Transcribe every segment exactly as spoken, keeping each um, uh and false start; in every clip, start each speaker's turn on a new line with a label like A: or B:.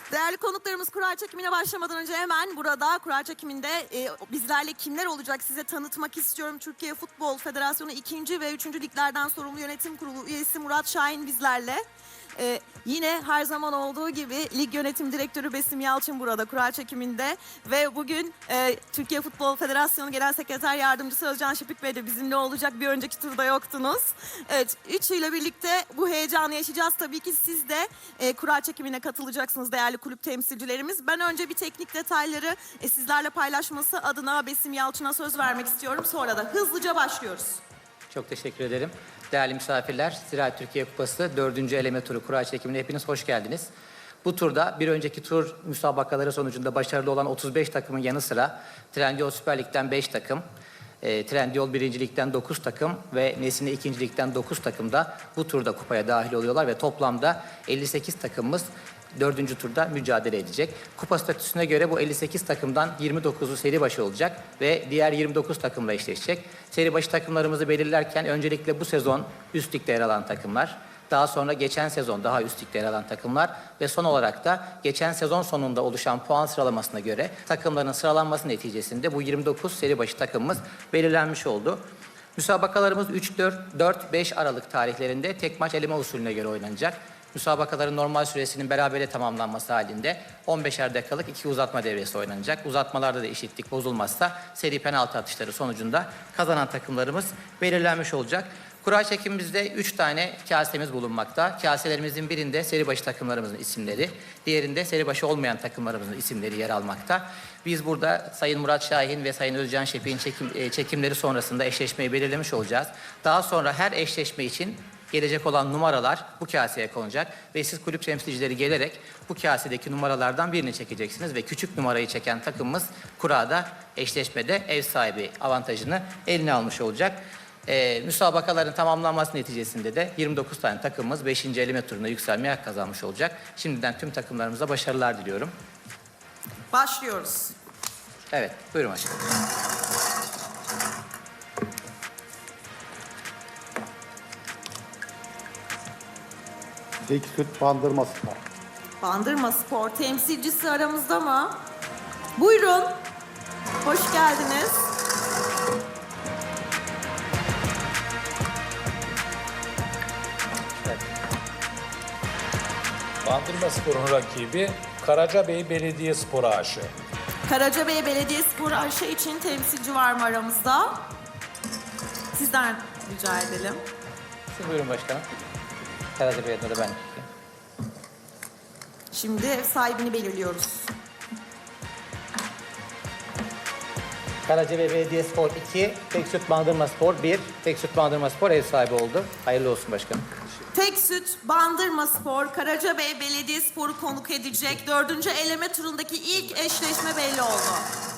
A: Değerli konuklarımız, kura çekimine başlamadan önce hemen burada kura çekiminde e, bizlerle kimler olacak size tanıtmak istiyorum. Türkiye Futbol Federasyonu ikinci ve üçüncü liglerden sorumlu yönetim kurulu üyesi Murat Şahin bizlerle. Ee, yine her zaman olduğu gibi lig yönetim direktörü Besim Yalçın burada kura çekiminde ve bugün e, Türkiye Futbol Federasyonu Genel Sekreter Yardımcısı Özcan Şipik Bey de bizimle olacak. Bir önceki turda yoktunuz. Evet, üçüyle birlikte bu heyecanı yaşayacağız. Tabii ki siz de e, kura çekimine katılacaksınız değerli kulüp temsilcilerimiz. Ben önce bir teknik detayları e, sizlerle paylaşması adına Besim Yalçın'a söz vermek istiyorum. Sonra da hızlıca başlıyoruz.
B: Çok teşekkür ederim. Değerli misafirler, Ziraat Türkiye Kupası dördüncü eleme turu kura çekimine hepiniz hoş geldiniz. Bu turda bir önceki tur müsabakaları sonucunda başarılı olan otuz beş takımın yanı sıra Trendyol Süper Lig'den beş takım, e, Trendyol birinci Lig'den dokuz takım ve Nesine ikinci Lig'den dokuz takım da bu turda kupaya dahil oluyorlar ve toplamda elli sekiz takımımız dördüncü turda mücadele edecek. Kupa statüsüne göre bu elli sekiz takımdan yirmi dokuzu seri başı olacak ve diğer yirmi dokuz takımla eşleşecek. Seri başı takımlarımızı belirlerken öncelikle bu sezon üst ligde yer alan takımlar, daha sonra geçen sezon daha üst ligde yer alan takımlar ve son olarak da geçen sezon sonunda oluşan puan sıralamasına göre takımların sıralanması neticesinde bu yirmi dokuz seri başı takımımız belirlenmiş oldu. Müsabakalarımız üç, dört, beş Aralık tarihlerinde tek maç eleme usulüne göre oynanacak. Müsabakaların normal süresinin berabere tamamlanması halinde on beşer dakikalık iki uzatma devresi oynanacak. Uzatmalarda da eşitlik bozulmazsa seri penaltı atışları sonucunda kazanan takımlarımız belirlenmiş olacak. Kura çekimimizde üç tane kasemiz bulunmakta. Kaselerimizin birinde seri başı takımlarımızın isimleri, diğerinde seri başı olmayan takımlarımızın isimleri yer almakta. Biz burada Sayın Murat Şahin ve Sayın Özcan Şepik'in çekim, çekimleri sonrasında eşleşmeyi belirlemiş olacağız. Daha sonra her eşleşme için gelecek olan numaralar bu kaseye konacak ve siz kulüp temsilcileri gelerek bu kasedeki numaralardan birini çekeceksiniz ve küçük numarayı çeken takımımız kurada eşleşmede ev sahibi avantajını eline almış olacak. Ee, müsabakaların tamamlanması neticesinde de yirmi dokuz tane takımımız beşinci eleme turuna yükselmeye hak kazanmış olacak. Şimdiden tüm takımlarımıza başarılar diliyorum.
A: Başlıyoruz.
B: Evet, buyurun başkanım.
C: Tek süt Bandırma Spor.
A: Bandırma Spor temsilcisi aramızda mı? Buyurun. Hoş geldiniz.
D: Bandırma Spor'un rakibi Karacabey Belediyespor A Ş.
A: Karacabey Belediyespor A Ş için temsilci var mı aramızda? Sizden rica edelim.
B: Siz buyurun başkanım. Karacabey adına da ben.
A: Şimdi ev sahibini belirliyoruz.
B: Karacabey Belediyespor iki, Teksüt Bandırma Spor bir, Teksüt Bandırma Spor ev sahibi oldu. Hayırlı olsun başkanım.
A: Tek Süt Bandırma Spor, Karacabey Belediyespor'u konuk edecek. Dördüncü eleme turundaki ilk eşleşme belli oldu.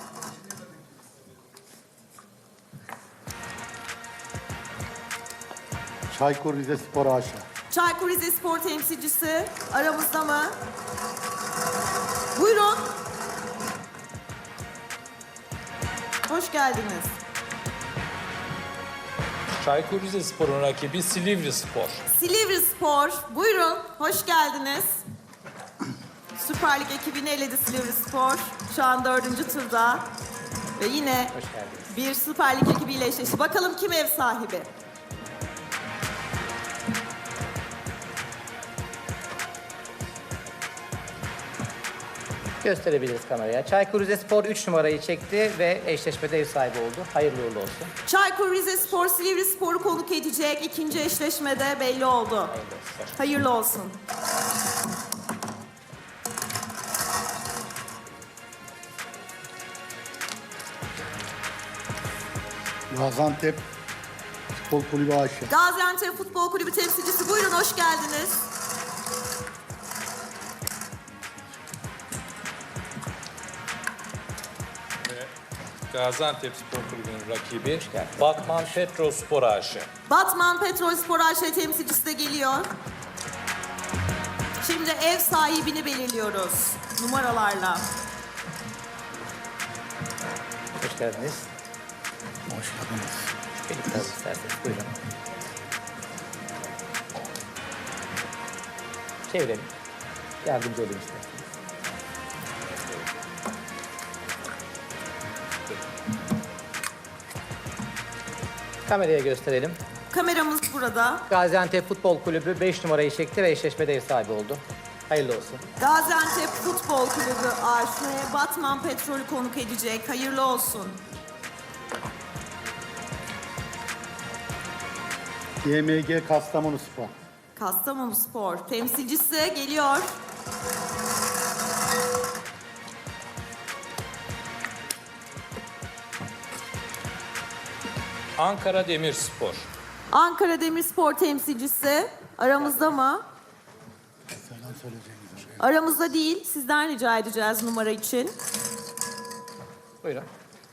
C: Çaykur Rizespor A Ş.
A: Çaykur Rizespor temsilcisi aramızda mı? Buyurun. Hoş geldiniz.
D: Çaykur Rizespor'un rakibi Silivri Spor.
A: Silivri Spor, buyurun. Hoş geldiniz. Süper Lig ekibini eledi Silivri Spor. Şu an dördüncü turda. Ve yine
B: Hoş geldiniz.
A: bir Süper Lig ekibiyle eşleşti. Bakalım kim ev sahibi?
B: Gösterebiliriz kameraya. Çaykur Rizespor üç numarayı çekti ve eşleşmede ev sahibi oldu. Hayırlı uğurlu olsun.
A: Çaykur Rizespor, Silivri Spor'u konuk edecek. İkinci eşleşmede belli oldu. Hayırlı olsun.
C: Gaziantep Futbol Kulübü A Ş.
A: Gaziantep Futbol Kulübü temsilcisi, buyurun hoş geldiniz.
D: Gaziantep Spor Kulübü'nün rakibi Batman Petrospor A Ş.
A: Batman Petrolspor A Ş temsilcisi de geliyor. Şimdi ev sahibini belirliyoruz numaralarla.
B: Hoş geldiniz. Hoş geldiniz. Birlikte alın isterseniz. Buyurun. Çevirelim. Yardımcı olayım isterseniz. Kameraya gösterelim.
A: Kameramız burada.
B: Gaziantep Futbol Kulübü beş numarayı çekti ve eşleşmede ev sahibi oldu. Hayırlı olsun.
A: Gaziantep Futbol Kulübü A Ş Batman Petrol'ü konuk edecek. Hayırlı olsun.
C: G M G Kastamonu Spor.
A: Kastamonu Spor temsilcisi geliyor.
D: Ankara Demirspor.
A: Ankara Demirspor temsilcisi aramızda mı?
C: Selam söyleyeceğiniz.
A: Aramızda değil. Sizden rica edeceğiz numara için.
B: Buyurun.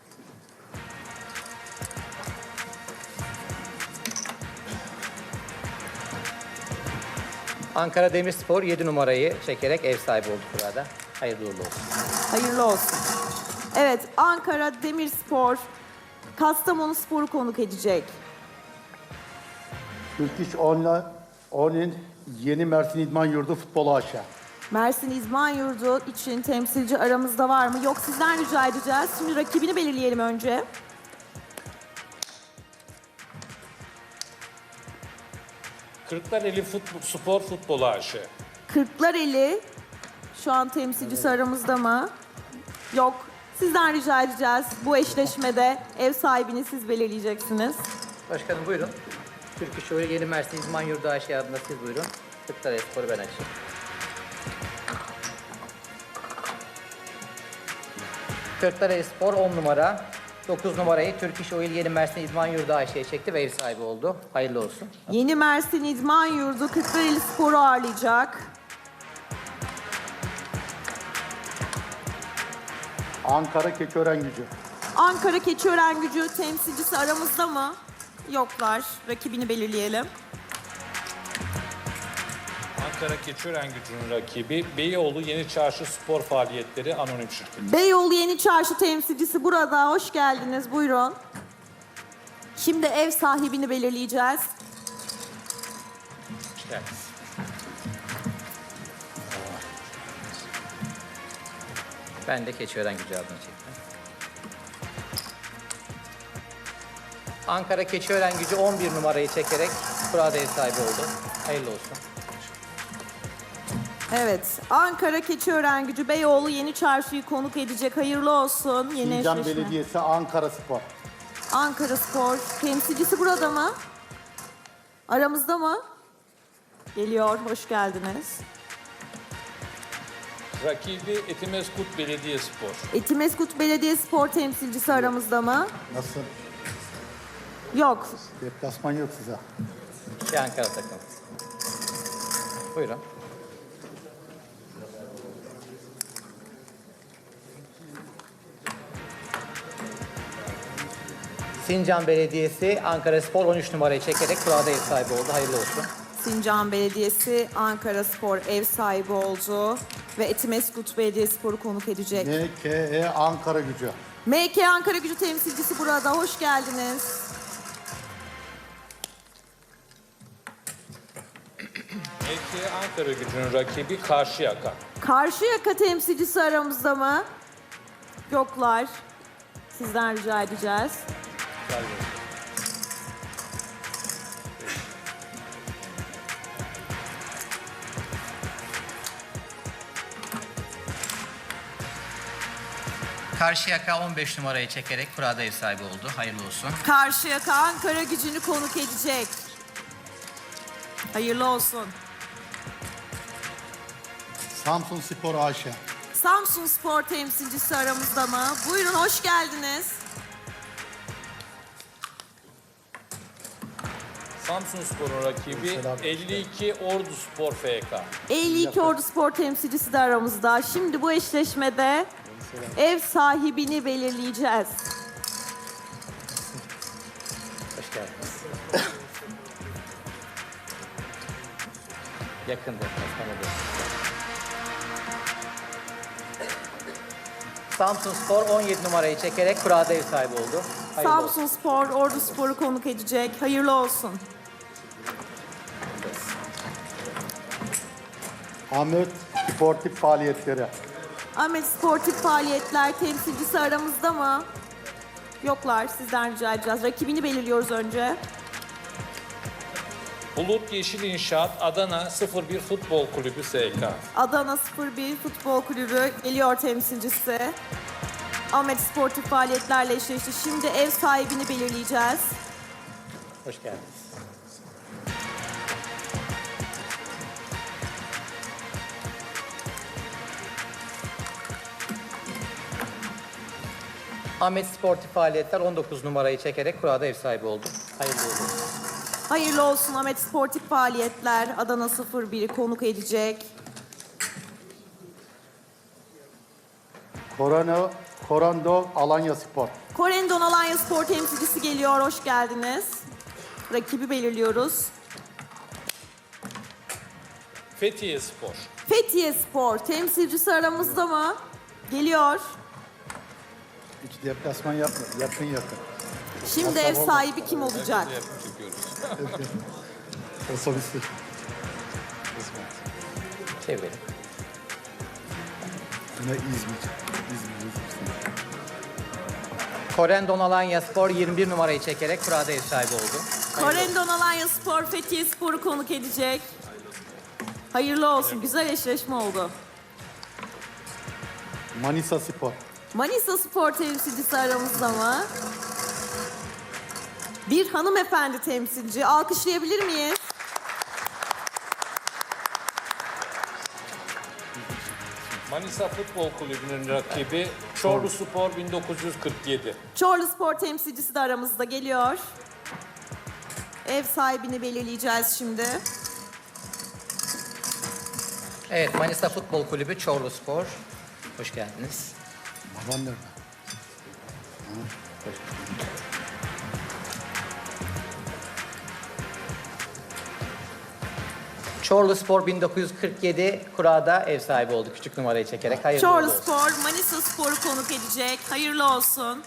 B: Ankara Demirspor yedi numarayı çekerek ev sahibi oldu burada. Hayırlı uğurlu olsun.
A: Hayırlı olsun. Evet, Ankara Demirspor Kastamonu Spor'u konuk edecek.
C: Türk İş Online Online Yeni Mersin İdman Yurdu Futbol A Ş.
A: Mersin İzman Yurdu için temsilci aramızda var mı? Yok, sizden rica edeceğiz. Şimdi rakibini belirleyelim önce.
D: Kırklareli Futbol, Spor Futbol A Ş.
A: Kırklareli şu an temsilcisi aramızda mı? Yok. Sizden rica edeceğiz. Bu eşleşmede ev sahibini siz belirleyeceksiniz.
B: Başkanım buyurun. Türk İş Oyunu Yeni Mersin İzman Yurdu A Ş adına siz buyurun. Kırklareli Spor'u ben açayım. Kırklareli Spor on numara. dokuz numarayı Türk İş Oyunu Yeni Mersin İzman Yurdu A Ş'ye çekti ve ev sahibi oldu. Hayırlı olsun.
A: Yeni Mersin İzman Yurdu Kırklareli Spor'u ağırlayacak.
C: Ankara Keçiören Gücü.
A: Ankara Keçiören Gücü temsilcisi aramızda mı? Yoklar. Rakibini belirleyelim.
D: Ankara Keçiören Gücü'nün rakibi Beyoğlu Yeni Çarşı Spor Faaliyetleri Anonim Şirketi.
A: Beyoğlu Yeni Çarşı temsilcisi burada. Hoş geldiniz. Buyurun. Şimdi ev sahibini belirleyeceğiz.
B: Evet. Ben de Keçiören Gücü adına çektim. Ankara Keçiören Gücü on bir numarayı çekerek kurada ev sahibi oldu. Hayırlı olsun.
A: Evet. Ankara Keçiören Gücü Beyoğlu Yeni Çarşı'yı konuk edecek. Hayırlı olsun. Yeni
C: Sincan
A: eşleşme.
C: Belediyesi Ankara Spor.
A: Ankara Spor temsilcisi burada mı? Aramızda mı? Geliyor. Hoş geldiniz.
D: Rakibi Etimeskut Belediyespor.
A: Etimeskut Belediyespor temsilcisi aramızda mı?
C: Nasıl?
A: Yok.
C: Deplasman yok size.
B: Şey Ankara takım. Buyurun. Sincan Belediyesi Ankara Spor on üç numarayı çekerek kurada ev sahibi oldu. Hayırlı olsun.
A: Sincan Belediyesi Ankara Spor ev sahibi oldu ve Etimeskut Belediyespor'u konuk edecek.
C: M K E Ankara Gücü.
A: M K Ankara Gücü temsilcisi burada. Hoş geldiniz.
D: M K Ankara Gücü'nün rakibi Karşıyaka.
A: Karşıyaka temsilcisi aramızda mı? Yoklar. Sizden rica edeceğiz.
B: Karşıyaka on beş numarayı çekerek kurada ev sahibi oldu. Hayırlı olsun.
A: Karşıyaka Ankara Gücü'nü konuk edecek. Hayırlı olsun.
C: Samsun Spor A Ş.
A: Samsun Spor temsilcisi aramızda mı? Buyurun, hoş geldiniz.
D: Samsun Spor'un rakibi elli iki Ordu Spor F K.
A: elli iki Ordu Spor temsilcisi de aramızda. Şimdi bu eşleşmede ev sahibini belirleyeceğiz.
B: Hoş geldiniz. Yakındır. Hastanede. Samsun Spor on yedi numarayı çekerek kurada ev sahibi oldu. Hayırlı olsun.
A: Samsun Spor, Ordu Spor'u konuk edecek. Hayırlı olsun.
C: Ahmet Sportif Faaliyetleri.
A: Ahmet Sportif Faaliyetler temsilcisi aramızda mı? Yoklar. Sizden rica edeceğiz. Rakibini belirliyoruz önce.
D: Bulut Yeşil İnşaat Adana sıfır bir Futbol Kulübü S K.
A: Adana sıfır bir Futbol Kulübü geliyor temsilcisi. Ahmet sportif faaliyetlerle eşleşti. Şimdi ev sahibini belirleyeceğiz.
B: Hoş geldiniz. Ahmet Sportif Faaliyetler on dokuz numarayı çekerek kurada ev sahibi oldu. Hayırlı uğurlu olsun.
A: Hayırlı olsun. Ahmet sportif faaliyetler Adana sıfır biri konuk edecek.
C: Korano, Korando Alanya Spor.
A: Korendon Alanya Spor temsilcisi geliyor. Hoş geldiniz. Rakibi belirliyoruz.
D: Fethiye Spor.
A: Fethiye Spor temsilcisi aramızda mı? Geliyor.
C: Hiç deplasman yapmadı. Yakın yakın.
A: Şimdi ev sahibi kim olacak?
D: Yakın çekiyoruz.
C: Otobüsü.
B: Çevirelim.
C: Yine İzmir. İzmir. İzmir.
B: Korendon Alanya Spor yirmi bir numarayı çekerek kurada ev sahibi oldu.
A: Korendon Alanya Spor Fethiye Spor'u konuk edecek. Hayırlı olsun. Güzel eşleşme oldu.
C: Manisa Spor.
A: Manisa Spor temsilcisi aramızda mı? Bir hanımefendi temsilci. Alkışlayabilir miyiz?
D: Manisa Futbol Kulübü'nün rakibi Çorlu Spor bin dokuz yüz kırk yedi.
A: Çorlu Spor temsilcisi de aramızda geliyor. Ev sahibini belirleyeceğiz şimdi.
B: Evet, Manisa Futbol Kulübü Çorlu Spor. Hoş geldiniz.
C: Baban nerede?
B: Çorlu Spor bin dokuz yüz kırk yedi kurada ev sahibi oldu. Küçük numarayı çekerek hayırlı
A: Çorlu
B: uğurlu olsun.
A: Spor Manisa Spor'u konuk edecek. Hayırlı olsun.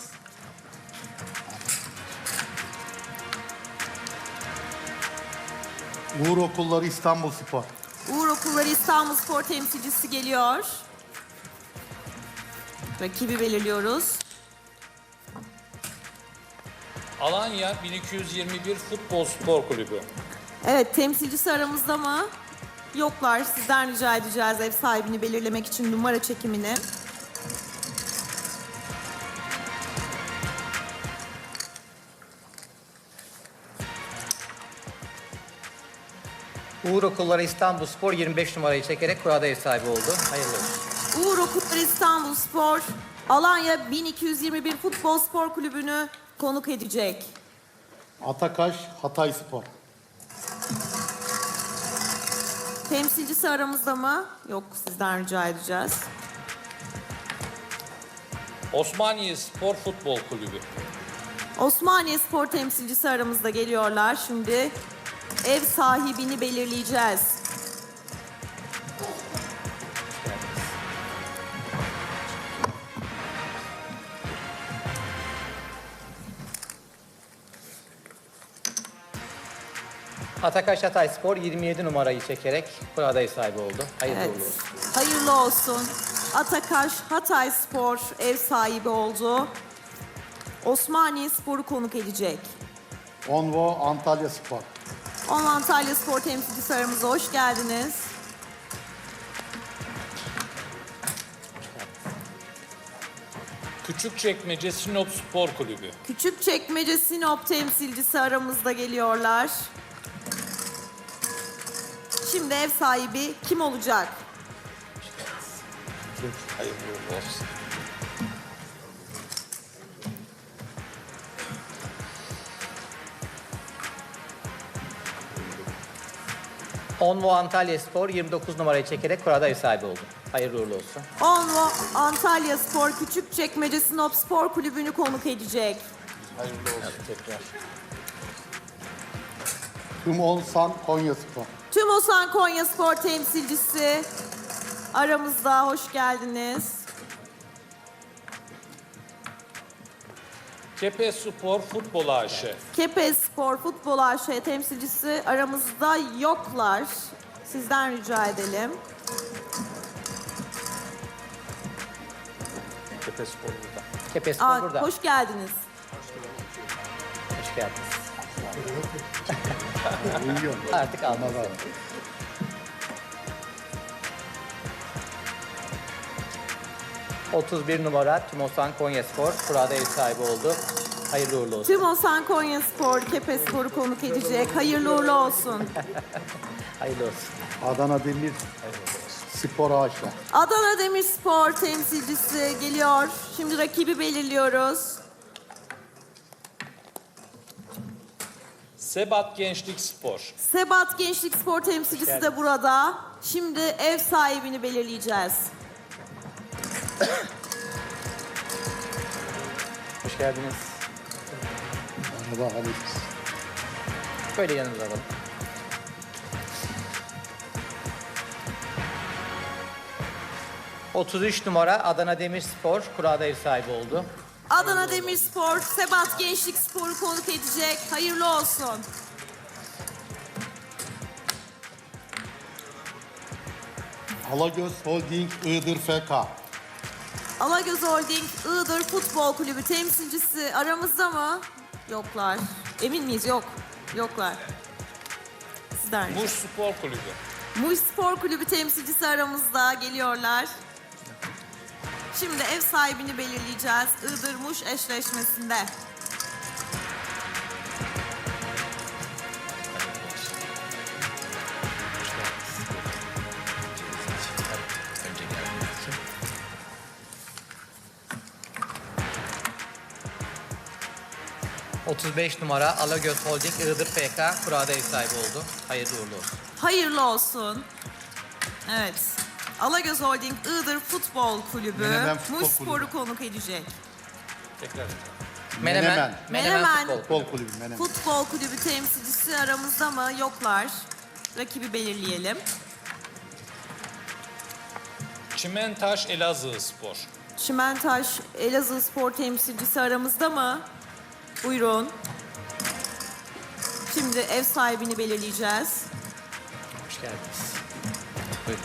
C: Uğur Okulları İstanbul Spor.
A: Uğur Okulları İstanbul Spor temsilcisi geliyor. Rakibi belirliyoruz.
D: Alanya bin iki yüz yirmi bir Futbol Spor Kulübü.
A: Evet, temsilcisi aramızda mı? Yoklar. Sizden rica edeceğiz ev sahibini belirlemek için numara çekimini.
B: Uğur Okulları İstanbul Spor yirmi beş numarayı çekerek kurada ev sahibi oldu. Hayırlı olsun.
A: Uğur Okulları İstanbul Spor, Alanya bin iki yüz yirmi bir Futbol Spor Kulübü'nü konuk edecek.
C: Atakaş Hatay Spor.
A: Temsilcisi aramızda mı? Yok, sizden rica edeceğiz.
D: Osmaniye Spor Futbol Kulübü.
A: Osmaniye Spor temsilcisi aramızda geliyorlar. Şimdi ev sahibini belirleyeceğiz.
B: Atakaş Hatay Spor yirmi yedi numarayı çekerek kurada ev sahibi oldu. Hayırlı
A: Evet.
B: uğurlu olsun.
A: Hayırlı olsun. Atakaş Hatay Spor ev sahibi oldu. Osmaniye Spor'u konuk edecek.
C: Onvo Antalya Spor.
A: On Antalya Spor temsilcisi aramıza hoş geldiniz.
D: Küçükçekmece Sinop Spor Kulübü.
A: Küçükçekmece Sinop temsilcisi aramızda geliyorlar. Şimdi ev sahibi kim olacak?
D: Hayırlı uğurlu olsun.
B: Onvo Antalya Spor yirmi dokuz numarayı çekerek kurada ev sahibi oldu. Hayırlı uğurlu olsun.
A: Onvo Antalya Spor Küçükçekmece Sinop Spor Kulübü'nü konuk edecek.
D: Hayırlı olsun tekrar.
C: Tümonsan Konya Spor.
A: Tümosan Konya Spor temsilcisi aramızda hoş geldiniz.
D: Kepez Spor Futbol A Ş.
A: Kepez Spor Futbol A Ş temsilcisi aramızda yoklar. Sizden rica edelim.
D: Kepez Spor burada.
B: Kepes Spor
A: Aa,
B: burada.
A: hoş geldiniz.
B: Hoş geldiniz.
C: Uyuyor.
B: Artık almaz.
C: Anladım.
B: otuz bir numara Timosan Konyaspor kurada ev sahibi oldu. Hayırlı uğurlu olsun.
A: Timosan Konyaspor, Kepespor'u konuk edecek. Hayırlı uğurlu olsun.
B: Hayırlı olsun.
C: Adana Demir Spor A Ş.
A: Adana Demirspor temsilcisi geliyor. Şimdi rakibi belirliyoruz.
D: Sebat Gençlik Spor.
A: Sebat Gençlik Spor temsilcisi de burada. Şimdi ev sahibini belirleyeceğiz.
B: Hoş geldiniz.
C: Merhaba Halis.
B: Böyle yanımıza alalım. otuz üç numara Adana Demirspor kurada ev sahibi oldu.
A: Adana Demirspor, Sebat Gençlik Spor'u konuk edecek. Hayırlı olsun.
C: Alagöz Holding Iğdır F K.
A: Alagöz Holding Iğdır Futbol Kulübü temsilcisi aramızda mı? Yoklar. Emin miyiz? Yok. Yoklar. Sizden.
D: Muş Spor Kulübü.
A: Muş Spor Kulübü temsilcisi aramızda geliyorlar. Şimdi ev sahibini belirleyeceğiz Iğdır-Muş eşleşmesinde.
B: otuz beş numara Alagöz Holding Iğdır F K kurada ev sahibi oldu. Hayırlı uğurlu olsun.
A: Hayırlı olsun. Evet. Alagöz Holding Iğdır Futbol Kulübü
C: Menemen Futbol
A: Muş Spor'u
C: Kulübü.
A: konuk edecek.
D: Tekrar.
B: Menemen.
C: Menemen.
B: Menemen,
A: Menemen.
B: Futbol.
C: Futbol Kulübü Menemen.
A: Futbol Kulübü temsilcisi aramızda mı? Yoklar. Rakibi belirleyelim.
D: Çimentaş Elazığ Spor.
A: Çimentaş Elazığ Spor temsilcisi aramızda mı? Buyurun. Şimdi ev sahibini belirleyeceğiz.
B: Hoş geldiniz. Buyurun.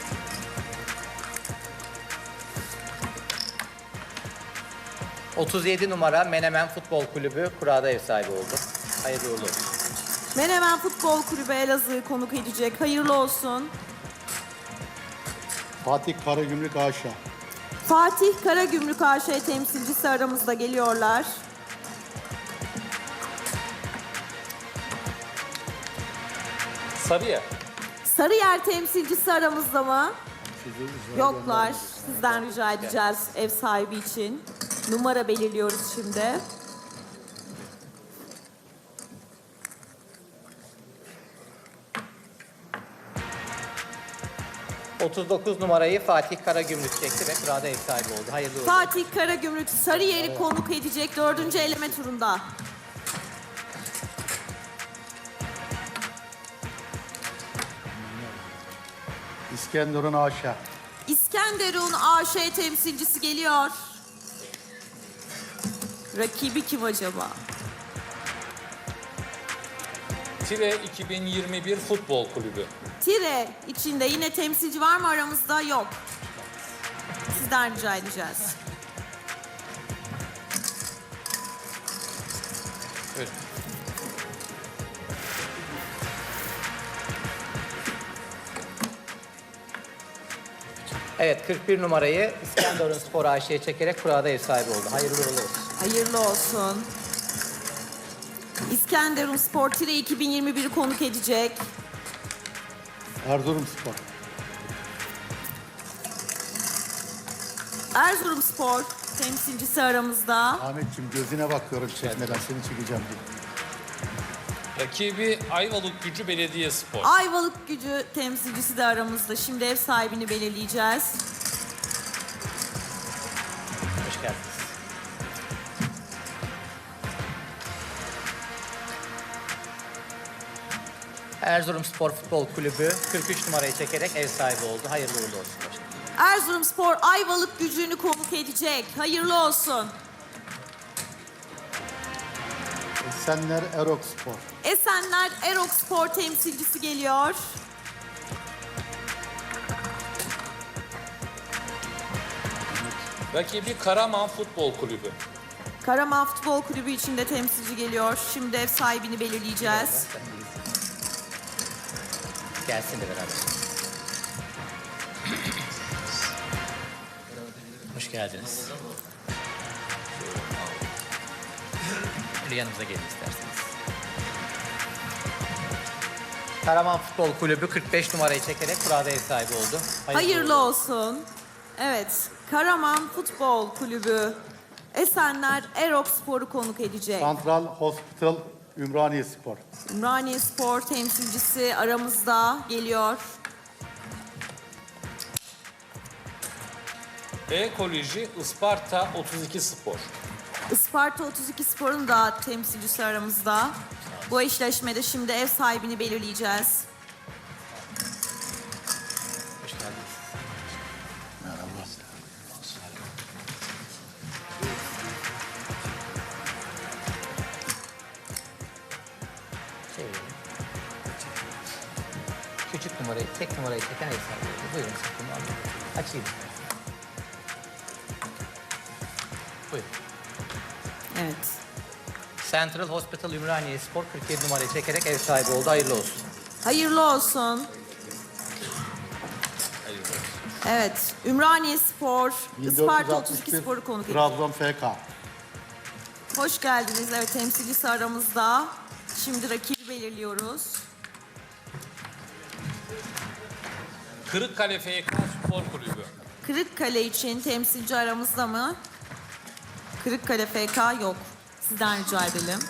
B: otuz yedi numara Menemen Futbol Kulübü kurada ev sahibi oldu. Hayırlı uğurlu olsun.
A: Menemen Futbol Kulübü Elazığ'ı konuk edecek. Hayırlı olsun.
C: Fatih Karagümrük A Ş.
A: Fatih Karagümrük A Ş temsilcisi aramızda geliyorlar.
D: Sarıyer.
A: Sarıyer temsilcisi aramızda mı? Yoklar. Sizden rica edeceğiz ev sahibi için. Numara belirliyoruz şimdi.
B: otuz dokuz numarayı Fatih Karagümrük çekti ve kurada ev sahibi oldu. Hayırlı uğurlu olsun.
A: Fatih Karagümrük Sarıyer'i konuk edecek dördüncü eleme turunda.
C: İskenderun A Ş.
A: İskenderun A Ş temsilcisi geliyor. Rakibi kim acaba?
D: Tire iki bin yirmi bir Futbol Kulübü.
A: Tire içinde yine temsilci var mı aramızda? Yok. Sizden rica edeceğiz.
D: Buyurun.
B: Evet, kırk bir numarayı İskenderun Spor A Ş'ye çekerek kurada ev sahibi oldu. Hayırlı uğurlu olsun.
A: Hayırlı olsun. İskenderun Spor Tire iki bin yirmi bir'i konuk edecek.
C: Erzurum Spor.
A: Erzurum Spor temsilcisi aramızda.
C: Ahmetciğim gözüne bakıyorum çekmeden seni çekeceğim diye.
D: Rakibi Ayvalık Gücü Belediye Spor.
A: Ayvalık Gücü temsilcisi de aramızda. Şimdi ev sahibini belirleyeceğiz.
B: Hoş geldiniz. Erzurum Spor Futbol Kulübü kırk üç numarayı çekerek ev sahibi oldu. Hayırlı uğurlu olsun. Başkanım.
A: Erzurum Spor Ayvalık Gücü'nü konuk edecek. Hayırlı olsun.
C: Esenler Erok Spor.
A: Esenler Erok Spor temsilcisi geliyor.
D: Rakibi Karaman Futbol Kulübü.
A: Karaman Futbol Kulübü içinde temsilci geliyor. Şimdi ev sahibini belirleyeceğiz.
B: Gelsin de beraber. Hoş geldiniz. Böyle yanımıza gelin isterseniz. Karaman Futbol Kulübü kırk beş numarayı çekerek kurada ev sahibi oldu.
A: Hayırlı olsun. Evet, Karaman Futbol Kulübü Esenler Erok Spor'u konuk edecek.
C: Central Hospital Ümraniye Spor.
A: Ümraniye Spor temsilcisi aramızda geliyor.
D: Ekoloji Isparta otuz iki Spor.
A: Isparta otuz iki Spor'un da temsilcisi aramızda. Bu eşleşmede şimdi ev sahibini belirleyeceğiz.
B: Hoş geldiniz. Çevirelim. Küçük numarayı, tek numarayı çeken ev sahibi oldu. Buyurun sakın alın. Açayım. Buyurun.
A: Evet.
B: Central Hospital Ümraniye Spor kırk yedi numarayı çekerek ev sahibi oldu. Hayırlı olsun.
A: Hayırlı olsun. Evet, Ümraniye Spor, Isparta otuz iki Spor'u konuk ediyor.
C: Trabzon F K.
A: Hoş geldiniz. Evet, temsilcisi aramızda. Şimdi rakibi belirliyoruz.
D: Kırıkkale F K Spor Kulübü.
A: Kırıkkale için temsilci aramızda mı? Kırıkkale F K yok. Sizden rica edelim.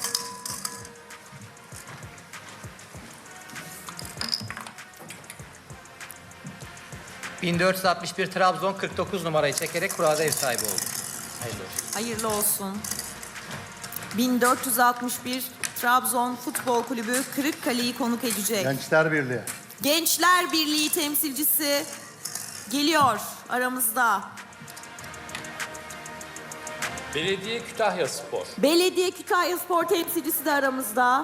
B: bin dört yüz altmış bir Trabzon kırk dokuz numarayı çekerek kurada ev sahibi oldu. Hayırlı olsun.
A: Hayırlı olsun. bin dört yüz altmış bir Trabzon Futbol Kulübü Kırıkkale'yi konuk edecek.
C: Gençler Birliği.
A: Gençler Birliği temsilcisi geliyor aramızda.
D: Belediye Kütahya Spor.
A: Belediye Kütahya Spor temsilcisi de aramızda.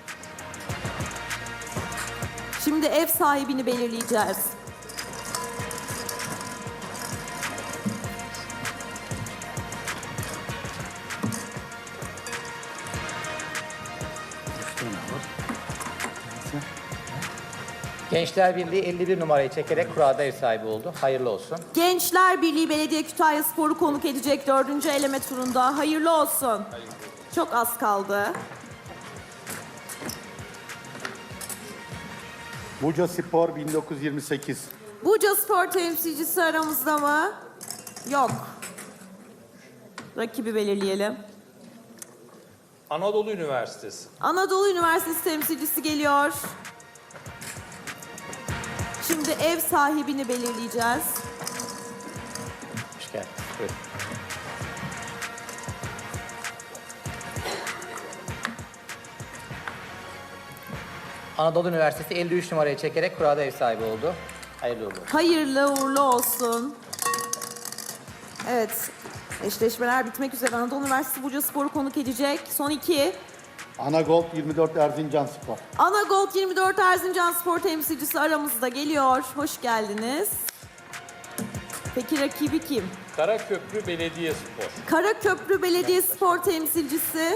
A: Şimdi ev sahibini belirleyeceğiz.
B: Gençler Birliği elli bir numarayı çekerek kurada ev sahibi oldu. Hayırlı olsun.
A: Gençler Birliği Belediye Kütahya Spor'u konuk edecek dördüncü eleme turunda. Hayırlı olsun. Çok az kaldı.
C: Buca Spor bin dokuz yüz yirmi sekiz.
A: Buca Spor temsilcisi aramızda mı? Yok. Rakibi belirleyelim.
D: Anadolu Üniversitesi.
A: Anadolu Üniversitesi temsilcisi geliyor. Şimdi ev sahibini belirleyeceğiz.
B: Hoş geldiniz. Buyurun. Anadolu Üniversitesi elli üç numarayı çekerek kurada ev sahibi oldu. Hayırlı uğurlu olsun.
A: Hayırlı uğurlu olsun. Evet. Eşleşmeler bitmek üzere. Anadolu Üniversitesi Buca Spor'u konuk edecek. Son iki.
C: Anagold yirmi dört Erzincan Spor.
A: Anagold yirmi dört Erzincan Spor temsilcisi aramızda geliyor. Hoş geldiniz. Peki rakibi kim?
D: Karaköprü Belediye Spor.
A: Karaköprü Belediye Spor temsilcisi.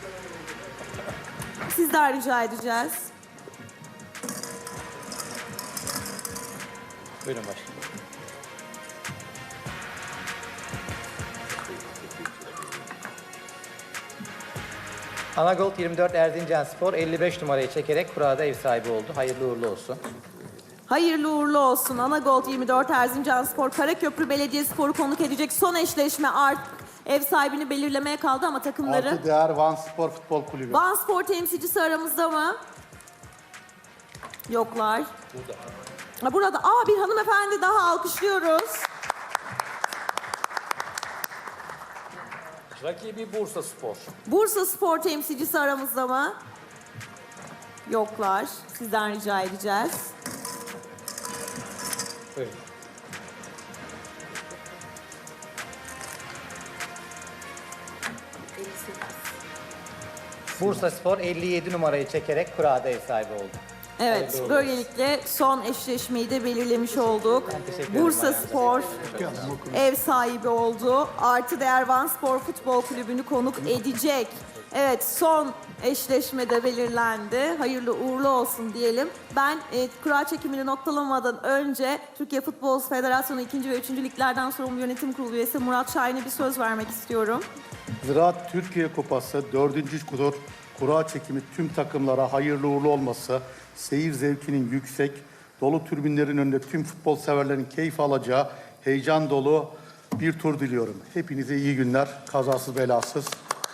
A: Sizden rica edeceğiz.
B: Buyurun başlayın. Anagold yirmi dört Erzincan Spor elli beş numarayı çekerek kurada ev sahibi oldu. Hayırlı uğurlu olsun.
A: Hayırlı uğurlu olsun. Anagold yirmi dört Erzincan Spor, Karaköprü Belediye Spor'u konuk edecek. Son eşleşme artık ev sahibini belirlemeye kaldı ama takımları...
C: Artı Değer Van Spor Futbol Kulübü.
A: Van Spor temsilcisi aramızda mı? Yoklar.
D: Burada.
A: Ha, burada. Aa, bir hanımefendi daha alkışlıyoruz.
D: Rakibi Bursa Spor.
A: Bursa Spor temsilcisi aramızda mı? Yoklar. Sizden rica edeceğiz.
B: Buyurun. Bursa Spor elli yedi numarayı çekerek kurada ev sahibi oldu.
A: Evet,
D: Hayırlı
A: böylelikle son eşleşmeyi de belirlemiş olduk.
B: teşekkür ederim
A: Bursa
B: Ayhan.
A: Spor ev sahibi oldu. Artı Değer Van Spor Futbol Kulübü'nü konuk edecek. Evet, son eşleşme de belirlendi. Hayırlı uğurlu olsun diyelim. Ben e, kura çekimini noktalamadan önce Türkiye Futbol Federasyonu ikinci ve üçüncü liglerden sorumlu yönetim kurulu üyesi Murat Şahin'e bir söz vermek istiyorum.
C: Ziraat Türkiye Kupası dördüncü tur kura çekimi tüm takımlara hayırlı uğurlu olması, seyir zevkinin yüksek, dolu tribünlerin önünde tüm futbol severlerin keyif alacağı heyecan dolu bir tur diliyorum. Hepinize iyi günler, kazasız belasız.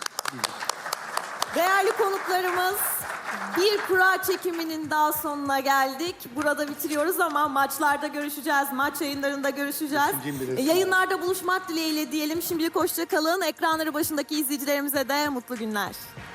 A: Değerli konuklarımız, bir kura çekiminin daha sonuna geldik. Burada bitiriyoruz ama maçlarda görüşeceğiz. Maç yayınlarında görüşeceğiz.
C: Beşinci bile-
A: E, Yayınlarda buluşmak dileğiyle diyelim. Şimdilik hoşça kalın. Ekranları başındaki izleyicilerimize de mutlu günler.